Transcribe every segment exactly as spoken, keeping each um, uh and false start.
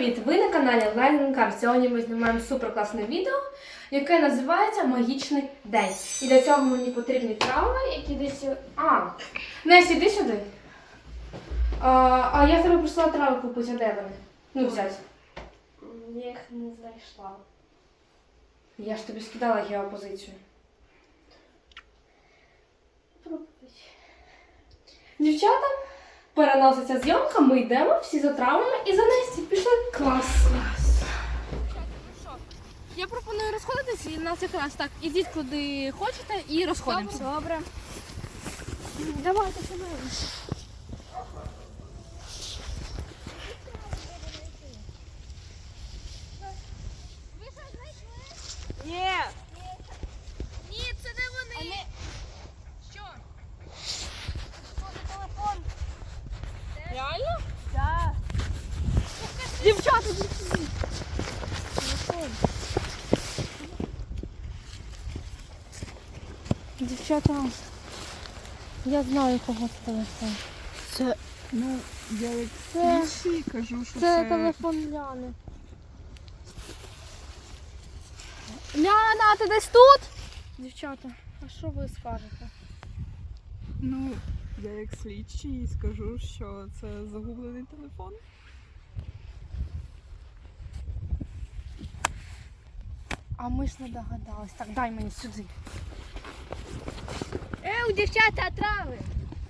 привіт! Ви на каналі Line. Сьогодні ми знімаємо суперкласне відео, яке називається Магічний день. І для цього мені потрібні трави, які десь... А, Несі, іди сюди. А, а я тебе просила трави купити, а де вони? Ну, взяти. Я їх не знайшла. Я ж тобі скидала геопозицію. Дівчата, переноситься зйомка, ми йдемо всі за травами і за Несті пішли. Клас! Я пропоную розходитись, і нас якраз так, ідіть куди хочете і розходимося. Добре. Давайте сюди. Ви що знайшли? Ні. Ні, це не вони. Що? Телефон. Реально? Так. Дівчата, Телефон. дівчата, я знаю, кого це телефон. Це, Ну, я як Це- слідчий кажу, що Це це... телефон Ляни. Ляна, ти десь тут? Дівчата, а що ви скажете? Ну, я як слідчий скажу, що це загублений телефон. А ми ж не догадались. Так, дай мені сюди. Еу, дівчата, трави.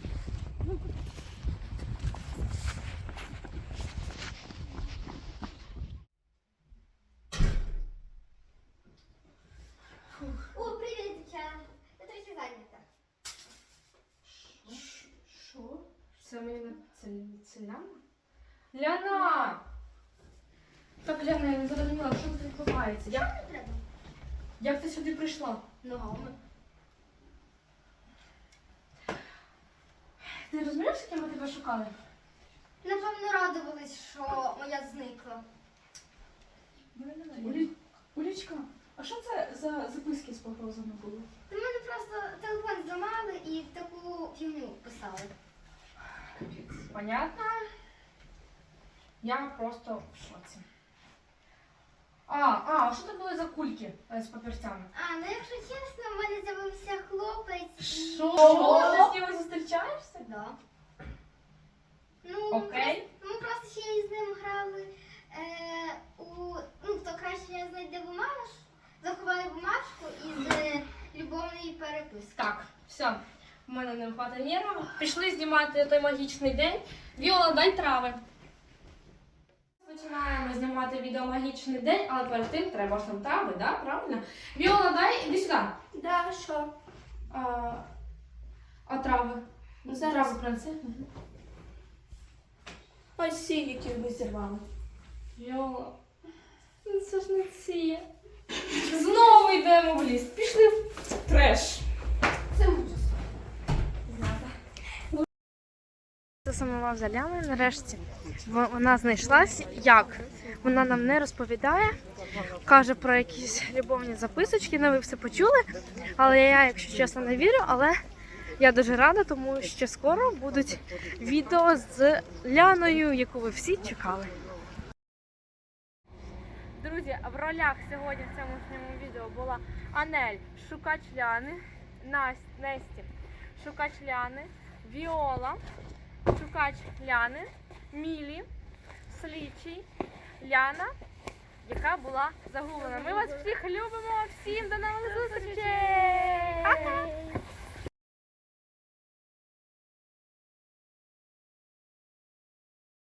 О, привіт, дівчата. Я трохи зайнята. Що? Це мені на... Це, це Ляна? Ляна! Так, Ляна, я не зрозуміла, що тут відбувається? Як, Не треба. як ти сюди прийшла? Ногами. Ти розумієш, з ким ми тебе шукали? Напевно, радувались, що моя зникла. Улі... Улічка, а що це за записки з погрозами були? Та в мене просто телефон зламали і таку фігню писали. Понятно? Я просто в шоці. А, а, що це були за кульки е, з папірцями? А, ну якщо чесно, в мене з'явився хлопець. і- Що? Ти з ними зустрічаєшся? Да. Ну, Окей. Просто, ми просто ще із ним грали е, у... Ну, хто краще знайде бумаж, заховає бумажку із е, любовної переписки. Так, все. У мене не вистачає нервів. Пішли знімати той магічний день. Віола, дай трави. Починаємо знімати відео «Магічний день», але перед тим треба ж там трави, да? Правильно? Віола, дай, іди сюди. Да, що? А, а трави? Ну, зараз. Трави принеси. Ось ці, які ви зірвали. Віола, ну це ж не ці. Знову йдемо в ліс. Пішли в треш. Це ужас. Засумував за Ляною, нарешті вона знайшлась. Як? Вона нам не розповідає, каже про якісь любовні записочки, ну ви все почули, але я, якщо чесно, не вірю, але я дуже рада, тому що скоро будуть відео з Ляною, яку ви всі чекали. Друзі, в ролях сьогодні в цьому відео була Анель, шукач Ляни, Настя, Несті, шукач Ляни, Віола, шукач Ляни, Мілі, слідчий, Ляна, яка була загублена. Ми вас всіх любимо, всім до нових зустрічей!